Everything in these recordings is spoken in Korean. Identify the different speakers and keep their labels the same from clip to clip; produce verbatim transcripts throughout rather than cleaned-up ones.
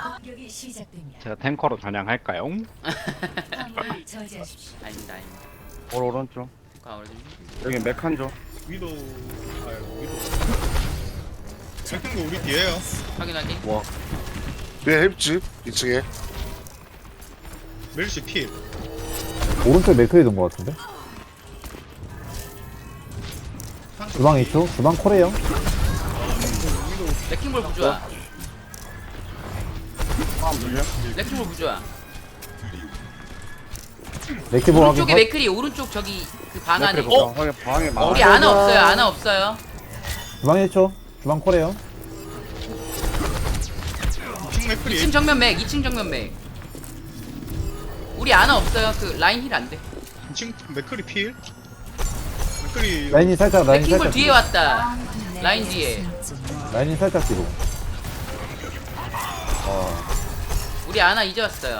Speaker 1: 공격이 시작됩니다.
Speaker 2: 제가 탱커로 전향할까요?
Speaker 1: 화물을 저지하십시오.
Speaker 3: 아닙니다 아닙니다.
Speaker 4: 올 오른쪽.
Speaker 3: 아 오래된
Speaker 4: 여기 메칸조.
Speaker 5: 위도 아유 위도 second 거 우리 뒤에요.
Speaker 3: 확인 확인.
Speaker 4: 와.
Speaker 6: 내 햄집 이 층에
Speaker 5: 멜시 필.
Speaker 7: 오른쪽 맥크리 둔것 같은데? 주방 이 초? 주방 콜해요?
Speaker 3: 레킹볼 부조야.
Speaker 4: 아 물려?
Speaker 3: 레킹볼 부조야.
Speaker 7: 맥키보 확인
Speaker 3: 오른쪽에
Speaker 7: 컷?
Speaker 3: 맥크리 오른쪽 저기 그 방 안에.
Speaker 4: 맥크리
Speaker 3: 어?
Speaker 4: 방에 방에 막.
Speaker 3: 우리 아나 없어요 아나 없어요.
Speaker 7: 주방 일 초? 주방 콜해요?
Speaker 5: 킹 맥크리.
Speaker 3: 이 층 정면 맥 이 층 정면 맥. 우리 아나 없어요. 그 라인 힐 안 돼.
Speaker 5: 이 층 맥크리 필. 맥크리
Speaker 7: 라인이 살짝 라인이
Speaker 3: 레킹볼
Speaker 7: 살짝
Speaker 3: 뒤에
Speaker 7: 뒤로.
Speaker 3: 왔다. 라인 뒤에.
Speaker 7: 라인이 살짝 뒤로
Speaker 3: 우리 아나 이제 왔어요.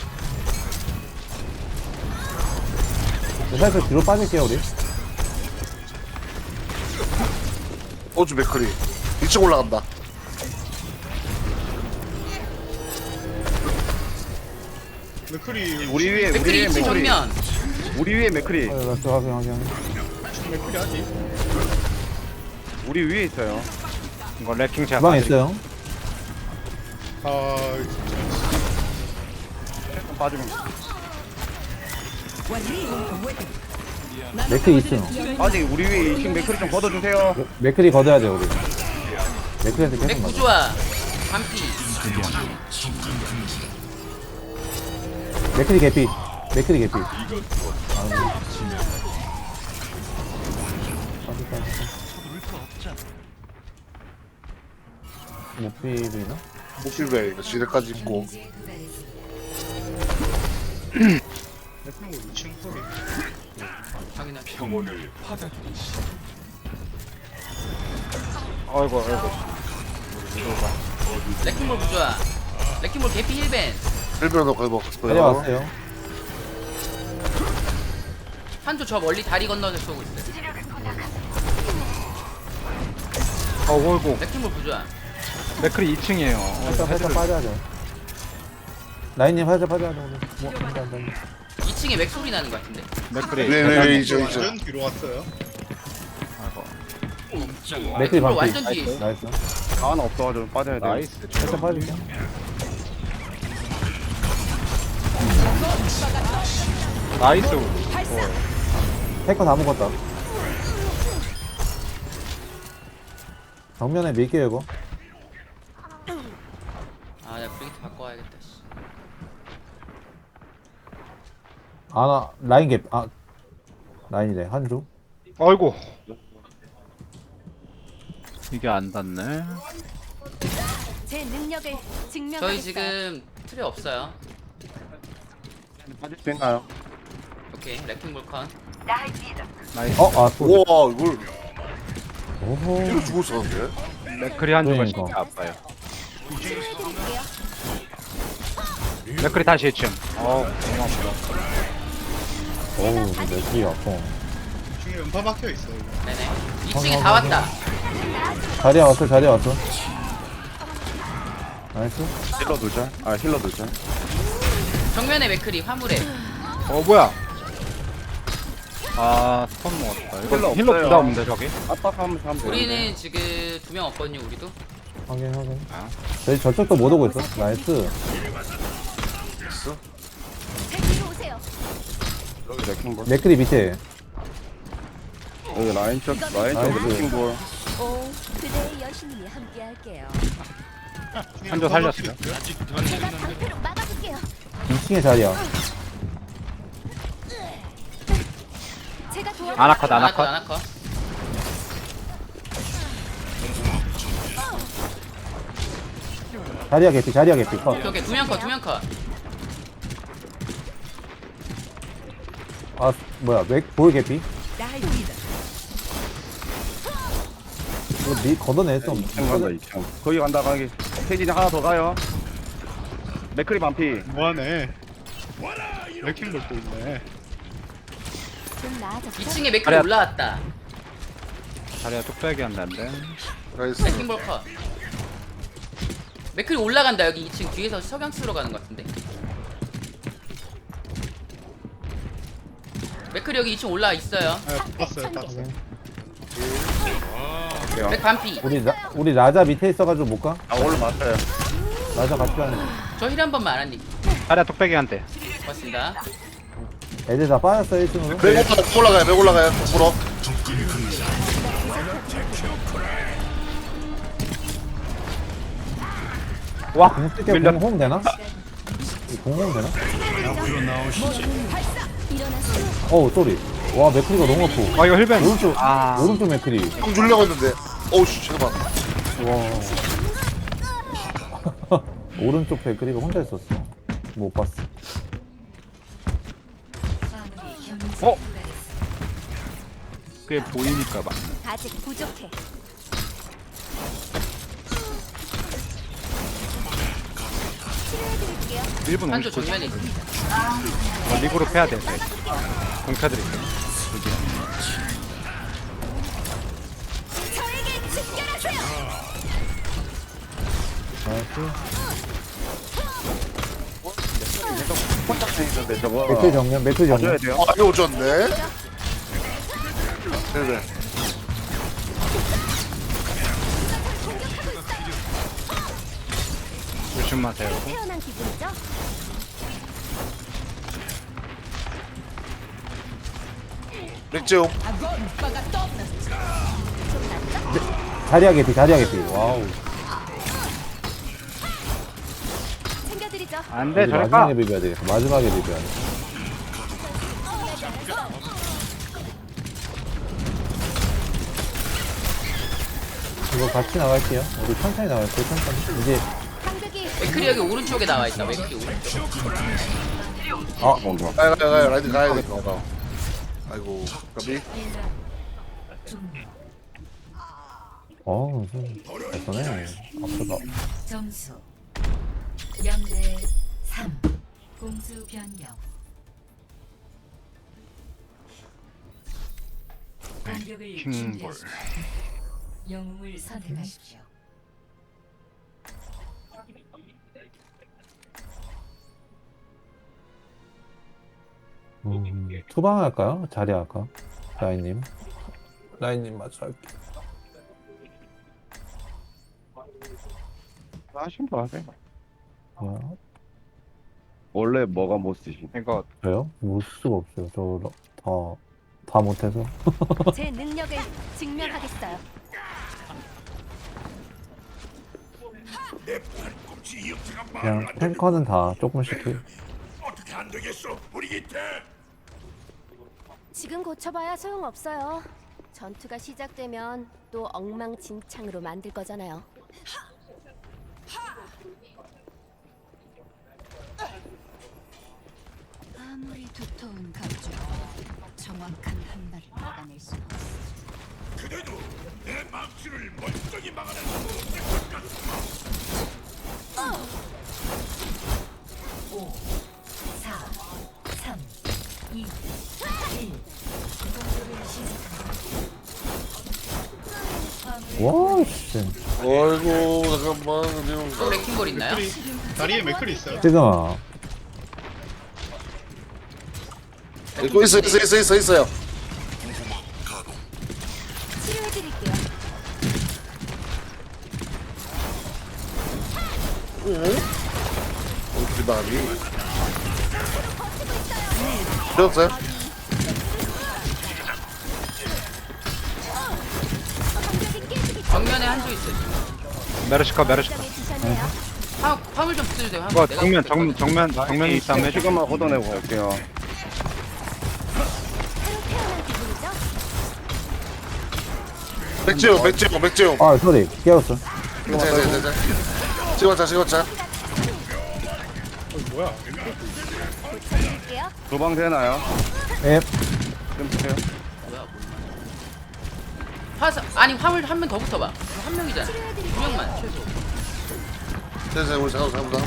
Speaker 7: 살짝 뒤로 빠질게요 우리.
Speaker 6: 호주 맥크리 이 층 올라간다.
Speaker 5: 맥크리
Speaker 4: 우리 위에 우리
Speaker 3: 맥크리
Speaker 4: 위에
Speaker 3: 이 층
Speaker 4: 맥크리.
Speaker 3: 정면.
Speaker 4: 우리 위에 맥크리.
Speaker 7: 아, 라스 확인 확인 확인.
Speaker 5: 층 맥크리 하지.
Speaker 4: 우리 위에 있어요.
Speaker 2: 이거 레킹 제가
Speaker 7: 주방
Speaker 2: 빠드릴게요.
Speaker 7: 있어요?
Speaker 5: 아
Speaker 4: 좀 빠지면.
Speaker 7: 맥크리 이 층.
Speaker 4: 아직 우리 위에 이층 맥크리 좀 걷어주세요.
Speaker 7: 맥- 맥크리 걷어야 돼 우리. 맥크리한테
Speaker 3: 맥
Speaker 7: 계속 맞아.
Speaker 3: 부조야. 반피.
Speaker 7: 맥크리 개피. 맥크리 개피. 못 비비나?
Speaker 6: 목실베 이거 지대까지 있고
Speaker 1: 이제 그다지
Speaker 5: 맥크리 이 층 소리.
Speaker 3: 확인할게.
Speaker 2: 아이고 아이고.
Speaker 3: 레킹볼 부조야. 레킹볼 개피 힐벤.
Speaker 6: 일변도 거의
Speaker 7: 빨리
Speaker 6: 먹었어요.
Speaker 7: 왔어요.
Speaker 3: 한조 저 멀리 다리 건너서 쏘고 있어요.
Speaker 2: 어이구.
Speaker 3: 레킹볼 부조야.
Speaker 2: 맥크리 이 층이에요.
Speaker 7: 살짝 살짝 빠져야 돼. 라인님 살짝 빠져야 돼 오늘. 뭐, 안 돼, 안 돼, 안 돼.
Speaker 3: 이 층에 맥 소리 나는 것 같은데.
Speaker 2: 맥크리.
Speaker 6: 네네 이제 이제
Speaker 5: 완전 뒤로 왔어요.
Speaker 2: 아이고.
Speaker 7: 맥크리
Speaker 3: 레킹볼
Speaker 7: 반피.
Speaker 3: 완전 뒤에 있어.
Speaker 7: 나이스.
Speaker 4: 가만 없어가지고 빠져야 돼.
Speaker 2: 나이스.
Speaker 7: 살짝 빠질게.
Speaker 2: 나이스.
Speaker 7: 태커 다 먹었다. 정면에 밀게요 이거.
Speaker 3: 아 내가 브리기트 바꿔야겠다. 씨.
Speaker 7: 아나 라인 갭. 아 라인이래 한조.
Speaker 2: 아이고. 이게 안 닿네.
Speaker 1: 제 능력을 증명하겠어요.
Speaker 3: 저희 지금 틀이 없어요.
Speaker 4: 빠질 수 있나요?
Speaker 3: 오케이 레킹볼 컨.
Speaker 2: 나이스.
Speaker 7: 어? 아 또.
Speaker 6: 우와 이걸
Speaker 7: 오호.
Speaker 6: 이거 죽을 수 없는데.
Speaker 2: 맥크리 한 조가
Speaker 7: 그러니까.
Speaker 2: 진짜 아파요. 맥크리 다시 이 층. 어우 너무 아프다.
Speaker 7: 어우 맥크리 아파.
Speaker 5: 이 층에 연파 박혀 있어. 이거.
Speaker 3: 네네. 이 층에 다 왔다.
Speaker 7: 자리야 왔어 자리야 왔어. 나이스.
Speaker 4: 힐러 둘자. 아 힐러 둘자.
Speaker 3: 정면에 맥크리 화물에.
Speaker 2: 어 뭐야? 아 스톤 먹었다. 이거
Speaker 4: 힐러
Speaker 2: 힐러
Speaker 4: 없어요.
Speaker 2: 부담 없는데 저기?
Speaker 4: 압박하면서 하면 되는데.
Speaker 3: 우리는 지금 두 명 없거든요. 우리도.
Speaker 7: 확인 확인.
Speaker 2: 아.
Speaker 7: 저희 저쪽도 못 오고 있어. 나이스.
Speaker 1: 제 뒤로 오세요.
Speaker 4: 여기 레킹볼.
Speaker 7: 맥크리 밑에.
Speaker 4: 여기 라인 쪽 라인 쪽
Speaker 7: 나이스.
Speaker 4: 레킹볼.
Speaker 1: 오, 그대의 여신이 함께할게요.
Speaker 2: 한조 살렸어요.
Speaker 1: 제가 방패로 막아줄게요.
Speaker 7: 이 층에 자리야.
Speaker 1: 제가 도와.
Speaker 2: 아나컷
Speaker 3: 아나컷
Speaker 2: 아나컷.
Speaker 3: 아나컷.
Speaker 7: 자리야 개피 자리야 개피. 컷.
Speaker 3: 오케이 오케이 두 명 컷 두 명 컷.
Speaker 7: 아 뭐야 맥볼 개피? 이거 미 걷어낼 수
Speaker 4: 이 층 간다
Speaker 7: 없네.
Speaker 4: 이 층. 거기 간다 가기. 세진이 하나 더 가요. 맥크리 반피.
Speaker 5: 뭐하네. 레킹볼 또 있네.
Speaker 1: 좀 나아졌어.
Speaker 3: 이 층에 맥크리
Speaker 2: 아니야.
Speaker 3: 올라왔다.
Speaker 2: 자리가 뚝배기 한다는데.
Speaker 6: 나이스.
Speaker 3: 레킹볼 컷. 맥클이 올라간다. 여기 이 층 뒤에서 석양 쓰러 가는 것 같은데. 맥클이 여기 이 층 올라와 있어요.
Speaker 5: 아 봤어요 봤어.
Speaker 3: 맥 반피.
Speaker 7: 우리 라, 우리 라자 밑에 있어가지고 못 가?
Speaker 4: 아 오늘 맞아요.
Speaker 7: 라자 같이 가는.
Speaker 3: 저 힐 한 번만 아란님.
Speaker 2: 자리야 뚝배기한테.
Speaker 3: 고맙습니다.
Speaker 7: 애들 다 빠졌어 일 층으로.
Speaker 6: 맥 올라가요 맥 올라가요 맥 올라가요 물어.
Speaker 2: 와
Speaker 7: 공쓸게
Speaker 2: 밀렸.
Speaker 7: 공홈 되나? 공홈 되나?
Speaker 1: 일어나세요.
Speaker 7: 어우 쏘리. 와 맥크리가 너무 아프.
Speaker 2: 아 이거 힐벤.
Speaker 7: 오른쪽
Speaker 2: 아
Speaker 7: 오른쪽 맥크리.
Speaker 6: 형 주려고 했는데 어우씨 잠깐만.
Speaker 7: 와. 오른쪽 맥크리가 혼자 있었어. 못 봤어.
Speaker 2: 어? 그게 보이니까 봐.
Speaker 1: 아직 부족해. 치료해드릴게요.
Speaker 2: 일 분
Speaker 3: 한조
Speaker 2: 오십 초.
Speaker 3: 정면에 있습니다.
Speaker 2: 어, 리그로 패야 돼. 네. 공차드릴게요.
Speaker 1: 저에게 집결하세요.
Speaker 7: 나이스.
Speaker 4: 혼자 있는데 저거.
Speaker 7: 맥크리 정면 맥크리
Speaker 4: 봐줘야
Speaker 7: 정면.
Speaker 4: 돼요.
Speaker 6: 아 이거 오졌네. 네네.
Speaker 2: 조심하세요.
Speaker 1: 태어난 기분이죠?
Speaker 6: 맥재용.
Speaker 7: 자리야 개피 자리야 개피. 와우.
Speaker 1: 챙겨드리죠.
Speaker 2: 안돼
Speaker 7: 우리
Speaker 2: 저리
Speaker 7: 마지막에
Speaker 2: 가.
Speaker 7: 비벼야 되겠어. 마지막에 비벼야 돼. 이거 같이 나갈게요. 우리 천천히 나갈게요. 천천히. 이제
Speaker 1: 상극이
Speaker 3: 맥클이 여기 오른쪽에 나와 있다. 맥클이 오른쪽.
Speaker 7: 아
Speaker 4: 뭔가.
Speaker 6: 가요 가요 가요 라이드 가야겠다. 아이고 까비.
Speaker 7: 어 무슨 됐어네. 아프다.
Speaker 8: 점수 영 대 삼. 공수 변경. 공격을
Speaker 2: 킹볼.
Speaker 8: 준비하십시오. 영웅을 선택하십시오.
Speaker 7: 음, 투방 할까요? 자리 할까? 라인님. 라인님 맞춰 할게.
Speaker 4: 하신 거 하세요.
Speaker 7: 뭐야?
Speaker 4: 원래 뭐가 못 쓰시?
Speaker 2: 이거
Speaker 7: 그래요? 못 수가 없어요. 저 다 다 못해서.
Speaker 1: 제 능력을 증명하겠어요.
Speaker 7: 그냥 탱커는 다 조금씩 해.
Speaker 1: 지금 고쳐봐야 소용없어요. 전투가 시작되면 또 엉망진창으로 만들 거잖아요.
Speaker 8: 아무리 두터운 감정, 정확한 한 발을 막아낼 수는 없어. 오, 사, 삼, 이, 일. 공격을 시작합니다.
Speaker 7: 와 씨.
Speaker 6: 아이고 잠깐만 지금.
Speaker 3: 또 레킹볼 있나요?
Speaker 5: 맥클이 다리에 맥클이 있어요.
Speaker 7: 지금
Speaker 6: 또 있어 있어 있어 있어 있어요.
Speaker 1: 치료해드릴게요.
Speaker 6: 어떻게 나니? 들었어요?
Speaker 1: 공격이 깨지기
Speaker 3: 정면에 한조 있어요.
Speaker 2: 메르시카 메르시카.
Speaker 1: 전에 주셨네요.
Speaker 3: 화, 화물 좀 쓰세요. 화물.
Speaker 2: 이거
Speaker 3: 내가
Speaker 2: 정면
Speaker 3: 쓸
Speaker 2: 정
Speaker 3: 거거든.
Speaker 2: 정면 정면이 있다 면
Speaker 4: 시간만 걷어내고 갈게요.
Speaker 1: 새로 태어난 기분이죠?
Speaker 6: 맥재용 맥재용 맥재용.
Speaker 7: 아 소리 깨웠어.
Speaker 6: 자자자자. 찍었자 찍었자.
Speaker 5: 어, 뭐야?
Speaker 1: 고쳐드릴게요.
Speaker 4: 도방 되나요?
Speaker 7: 예.
Speaker 4: 좀 보세요.
Speaker 3: 화사 아니 화물 한 명 더 붙어봐. 한 명이잖아. 두 명만 최소.
Speaker 6: 자자 우리 잠깐 잠깐.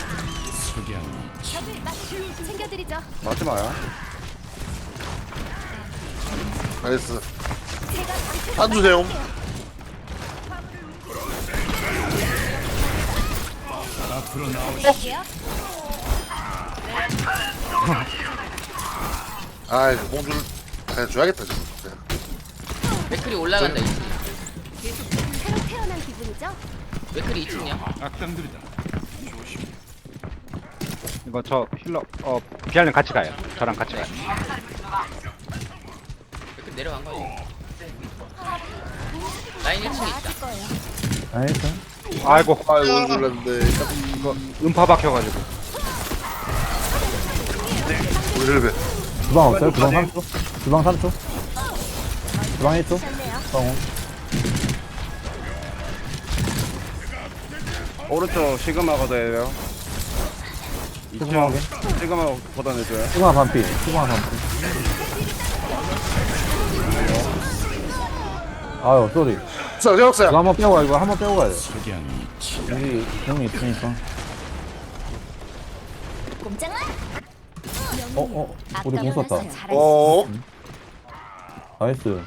Speaker 1: 적을 맞 챙겨드리죠.
Speaker 4: 맞지 마요.
Speaker 6: 나이스.
Speaker 1: 제가 방패를
Speaker 6: 안 주세요.
Speaker 1: 막을게요.
Speaker 6: 아 이거 공주를 그냥 줘야겠다 지금. 그냥.
Speaker 3: 맥클이 올라간다 이층.
Speaker 1: 새로 태어난 기분이죠?
Speaker 3: 맥클이 이층이야.
Speaker 2: 이거 저 힐러 어 비알님 같이 가요. 저랑 같이 가요.
Speaker 3: 맥클 내려간 거지. 라인 일 층에 있다.
Speaker 1: 나아질 거예요.
Speaker 7: 알겠어.
Speaker 2: 아이고
Speaker 6: 아이고 오늘 놀랐는데
Speaker 2: 이거 음파 박혀가지고.
Speaker 6: 우리 힐베.
Speaker 7: 주방 없어요? 주방 삼 초? 주방 삼 초? 주방 일 초?
Speaker 1: 좋네요.
Speaker 7: 성우.
Speaker 4: 오른쪽 시그마 걷어야
Speaker 7: 시그마 확인.
Speaker 4: 시그마 걷어내줘요.
Speaker 7: 시그마 반피. 시그마 반피. 아유, 쏘리.
Speaker 6: 자 제옥사야.
Speaker 7: 이거 한번 빼고 가, 이거 한번 빼고 가야 돼. 여기 공이 있으니까.
Speaker 1: 꼼짝마.
Speaker 7: 어, 어, 우리 공 썼다.
Speaker 6: 어.
Speaker 7: 나이스.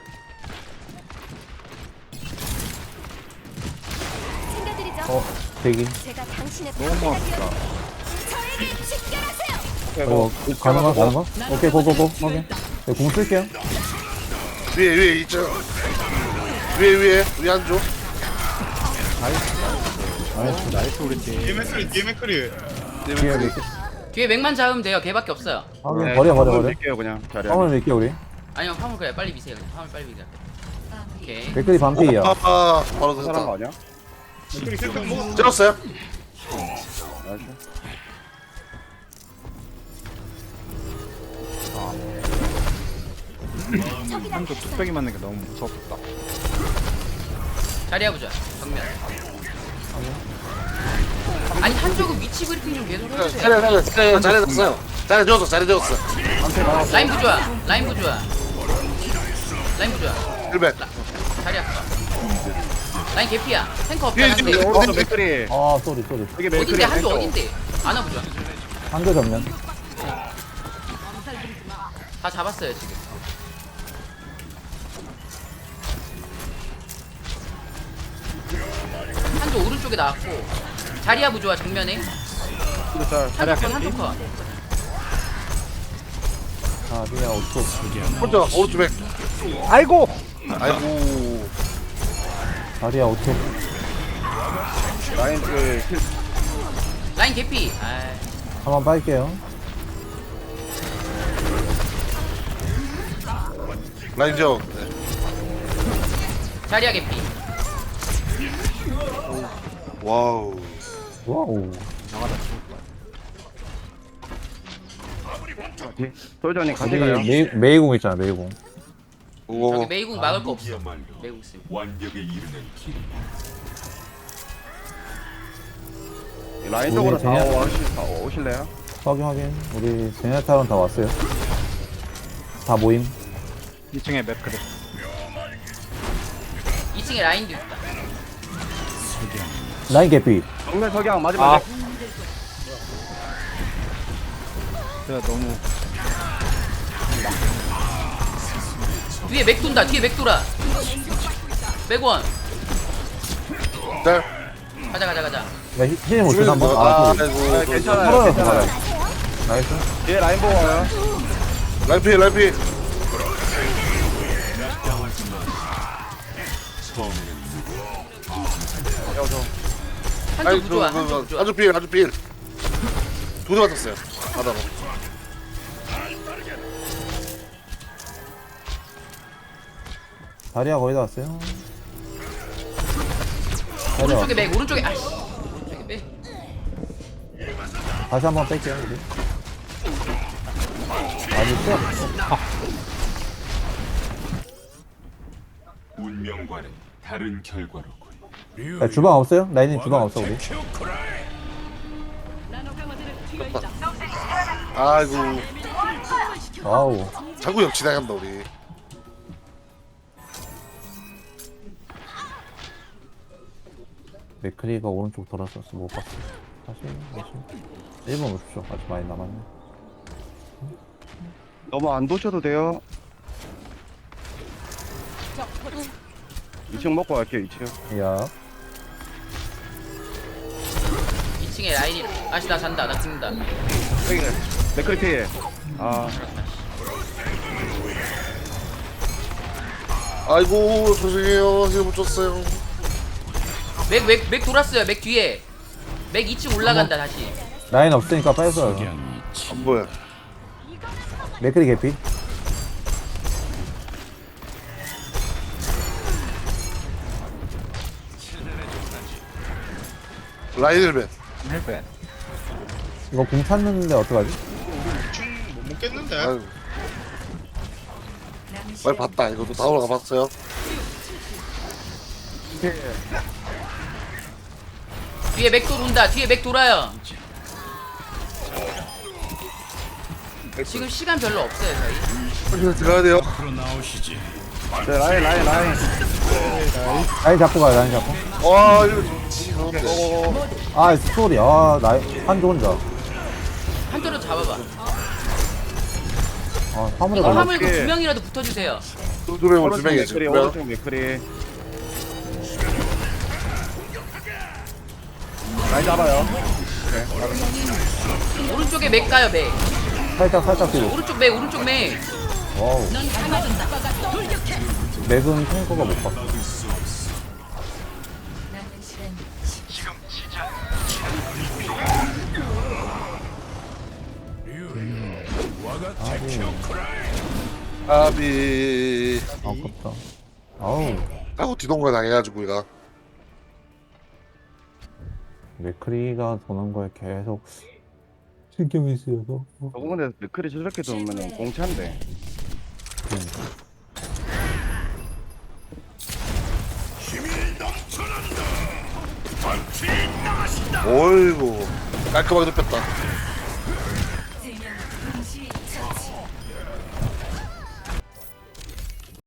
Speaker 1: 챙겨드리죠.
Speaker 7: 어, 대기.
Speaker 1: 제가 당신의
Speaker 2: 너무 아프다.
Speaker 1: 저에게 집결하세요.
Speaker 7: 어, 가능한, 가능한? 오케이, 고고고. 확인. 네, 공 쓸게요.
Speaker 6: 위에 위에 있죠. 위에 위에 우리 한조.
Speaker 7: 나이스.
Speaker 2: 나이스 우리 팀.
Speaker 5: 뒤에 맥크리 뒤에 맥크리.
Speaker 7: 뒤에 밀게.
Speaker 3: 뒤에 맥만 잡으면 돼요. 걔밖에 없어요.
Speaker 7: 확인. 버려, 버려, 버려.
Speaker 4: 밀게요 그냥 자리.
Speaker 7: 화물 밀게, 우리.
Speaker 3: 아니요 화물 그래 빨리 미세요. 그냥. 화물 빨리 미세요. 오케이.
Speaker 7: 백클이 반피야.
Speaker 6: 아, 아 바로
Speaker 4: 사람 거
Speaker 6: 됐다.
Speaker 4: 아니야?
Speaker 5: 맥크리 셀프 먹었어.
Speaker 6: 찍었어요?
Speaker 4: 나이스.
Speaker 2: 한조 뚝배기 맞는 게 너무 무섭다.
Speaker 3: 자리야 보자. 정면. 아니 한쪽은 위치 브리핑 좀 계속 해주세요.
Speaker 6: 자리 자리 자리 자리 됐어요. 자리 되었어 자리 되었어.
Speaker 3: 라인 부좋아. 라인 부좋아. 라인 부좋아.
Speaker 6: 힐베.
Speaker 3: 자리야 봐. 라인 개피야. 탱커 없다.
Speaker 6: 뒤에
Speaker 3: 한대.
Speaker 6: 뒤에
Speaker 4: 오른쪽 맥크리.
Speaker 7: 아, 쏘리, 쏘리.
Speaker 4: 여기
Speaker 3: 어딘데
Speaker 4: 맥크리.
Speaker 3: 한쪽 어딘데? 안아 보자.
Speaker 7: 한조 전면.
Speaker 3: 다 잡았어요 지금. 한쪽 오른쪽에 나왔고 자리야 부좋아 정면에. 한쪽 컷 한쪽 컷.
Speaker 7: 아, 그냥 오 초.
Speaker 6: 혼자 오른쪽 맥.
Speaker 2: 아이고.
Speaker 6: 아이고.
Speaker 7: 다리야, 오 초.
Speaker 4: 라인 그 힐.
Speaker 3: 라인 개피. 아
Speaker 7: 한번 빠질게요.
Speaker 6: 라인 지역.
Speaker 3: 자리야 개피.
Speaker 6: 와우.
Speaker 7: 와우.
Speaker 4: 솔전이 같이
Speaker 7: 여기
Speaker 4: 가요.
Speaker 7: 메이, 메이공 있잖아, 메이공.
Speaker 6: 오.
Speaker 3: 저기 메이궁 막을 거 없어. 메이궁 쓰.
Speaker 4: 라인 쪽으로
Speaker 7: 우리
Speaker 4: 다
Speaker 7: 그냥-
Speaker 4: 오시- 다 오실래요?
Speaker 7: 확인, 확인. 우리 제네타론 다 왔어요. 다 모임.
Speaker 2: 이 층에 맥크리.
Speaker 3: 이 층에 라인도 있다.
Speaker 7: 라인 개피.
Speaker 4: 정면 석양 마지막.
Speaker 2: 아. 제가 너무
Speaker 3: 뒤에 맥 돈다. 뒤에 맥 돌아. 맥원.
Speaker 6: 네.
Speaker 3: 가자 가자 가자.
Speaker 7: 야, 히- 힐 못 주나 한번?
Speaker 6: 아,
Speaker 7: 아,
Speaker 6: 아이고.
Speaker 4: 아, 괜찮아요.
Speaker 7: 털어요,
Speaker 4: 괜찮아요.
Speaker 7: 털어요. 나이스.
Speaker 4: 뒤에 라인 보고 와요.
Speaker 6: 라이피 라이피.
Speaker 3: 한쪽 부좋아. 한쪽 부좋아.
Speaker 6: 아주 필 아주 필. 두대 맞았어요. 바다로.
Speaker 7: 다리야 거의 다 왔어요. 다리야.
Speaker 3: 오른쪽에 맥 오른쪽에 아씨. 오른쪽에 맥.
Speaker 7: 다시 한번 뺄게요, 우리. 아직도?
Speaker 9: 운명과는 다른 결과로군.
Speaker 7: 야, 주방 없어요? 라인님 주방 없어, 우리.
Speaker 6: 아이고.
Speaker 7: 와우.
Speaker 6: 자꾸 옆 지나간다 우리.
Speaker 7: 맥크리가 오른쪽 돌았었어, 못 봤어. 다시, 다시. 일 분 오십시오. 아직 많이 남았네.
Speaker 4: 너무 안 도셔도 돼요. 이 층 먹고 갈게요. 이 층.
Speaker 7: 야.
Speaker 3: 이 층에 라인이. 아씨 나 잔다. 나 죽는다.
Speaker 4: 여기 맥크리 필. 아
Speaker 6: 아이고 죄송해요. 힐 못 줬어요.
Speaker 3: 맥 맥 맥 돌았어요. 맥 뒤에. 맥 이 층 올라간다 다시.
Speaker 7: 라인 없으니까 빨리 써요.
Speaker 6: 안 보여.
Speaker 7: 맥크리 개피.
Speaker 6: 라인 힐맨.
Speaker 2: 헬벤.
Speaker 7: 이거 공 찼는데 어떡하지?
Speaker 5: 못 먹겠는데.
Speaker 6: 아이고. 빨리 봤다. 이것도 다 올라가 봤어요.
Speaker 3: 뒤에 맥 돌온다. 뒤에 맥 돌아요. 지금 시간 별로 없어요 저희.
Speaker 6: 빨리 들어가야 돼요.
Speaker 4: 네, 라인 라인 라인.
Speaker 7: 라인 잡고 가요, 라인 잡고.
Speaker 6: 와 이거 좋지. 가운데.
Speaker 7: 아, 스토리. 아, 라인, 한조 혼자.
Speaker 3: 한조로 잡아봐.
Speaker 7: 아, 화물에
Speaker 3: 이거
Speaker 7: 걸려.
Speaker 3: 화물 그 두 명이라도 붙어주세요.
Speaker 6: 두 명은 두
Speaker 4: 오른쪽
Speaker 6: 명이지.
Speaker 4: 맥크리
Speaker 6: 그래요?
Speaker 4: 오른쪽 맥크리. 라인 잡아요.
Speaker 3: 오른쪽에 맥 가요 맥.
Speaker 7: 살짝, 살짝 뒤로.
Speaker 3: 오른쪽 맥 오른쪽 맥.
Speaker 7: 와우. 맥은 탱커가 못 봤어.
Speaker 8: 남은 시간
Speaker 6: 아비.
Speaker 7: 아깝다. 아우,
Speaker 6: 하고 뒤동거 당해가지고 이거.
Speaker 7: 맥크리가 도는 거에 계속 신경이 쓰여서.
Speaker 4: 저거 근데 맥크리 저렇게 두면은 공차인데.
Speaker 6: 어이구 깔끔하게 눕혔다.